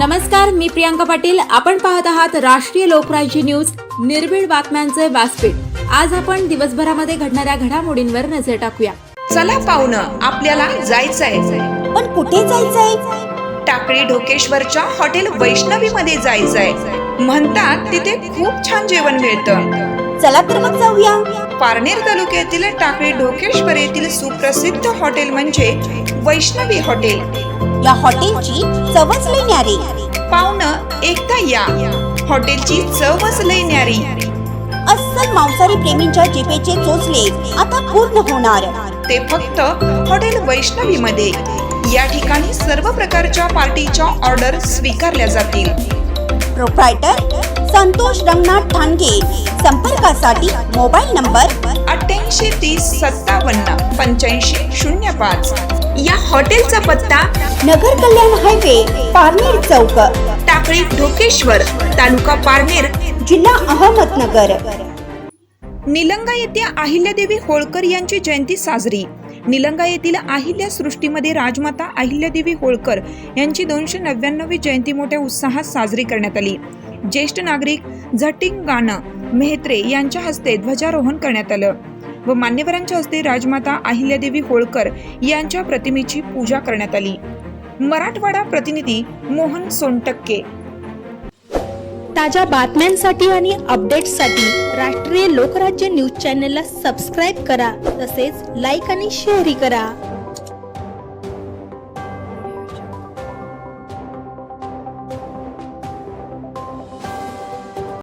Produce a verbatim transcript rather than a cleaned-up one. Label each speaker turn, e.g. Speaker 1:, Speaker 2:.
Speaker 1: नमस्कार, मी प्रियांका पाटील. आपण पाहत आहात राष्ट्रीय लोकराज्य न्यूज, निर्भीड बातम्यांचे व्यासपीठ. आज आपण दिवसभरामध्ये घडणाऱ्या घडामोडींवर नजर टाकूया.
Speaker 2: चला पाहुणं, आपल्याला जायचंय.
Speaker 3: पण कुठे जायचंय?
Speaker 2: टाकळी ढोकेश्वरच्या हॉटेल वैष्णवी मध्ये जायचंय. म्हणतात तिथे खूप छान जेवण मिळतं.
Speaker 3: चला तर मग जाऊया.
Speaker 2: पारनेर तालुक्यातील टाकळी ढोकेश्वर येथील सुप्रसिद्ध हॉटेल म्हणजे वैष्णवी हॉटेल.
Speaker 3: या हॉटेलची चवच लई न्यारी.
Speaker 2: पाहुणं, एकदा या. हॉटेलची चवच लई न्यारी.
Speaker 3: अस्सल मांसाहारी प्रेमींच्या जिभेचे चोचले आता पूर्ण होणार.
Speaker 2: ते फक्त हॉटेल वैष्णवी मध्ये. या ठिकाणी सर्व प्रकारच्या पार्टीच्या ऑर्डर स्वीकारल्या जातील.
Speaker 3: प्रोप्रायटर संतोष रंगनाथ ठाणगे. संपर्कासाठी मोबाईल नंबर
Speaker 2: अठ्ठ्याऐंशी तीस सत्तावन्न पंच्याऐंशी शून्य पाच. या हॉटेलचा पत्ता
Speaker 3: नगर कल्याण हायवे, पारनेर चौक,
Speaker 2: टाकळी ढोकेश्वर, तालुका पारनेर,
Speaker 3: जिल्हा अहमदनगर.
Speaker 2: निलंगा येथे अहिल्यादेवी होळकर यांची जयंती साजरी. निलंगा येथील अहिल्या सृष्टीमध्ये राजमाता अहिल्यादेवी होळकर यांची दोनशे नव्याण्णवी जयंती मोठ्या उत्साहात साजरी करण्यात आली. ज्येष्ठ नागरिक झटिंगाना मेहत्रे यांच्या हस्ते ध्वजारोहण करण्यात आलं व मान्यवरांच्या हस्ते राजमाता अहिल्यादेवी होळकर यांच्या प्रतिमेची पूजा करण्यात आली. मराठवाडा प्रतिनिधी मोहन सोनटक्के.
Speaker 4: ताज्या बातम्यांसाठी आणि अपडेट्ससाठी राष्ट्रीय लोकराज्य न्यूज चॅनलला सबस्क्राईब करा. तसेच लाईक आणि शेअरही करा.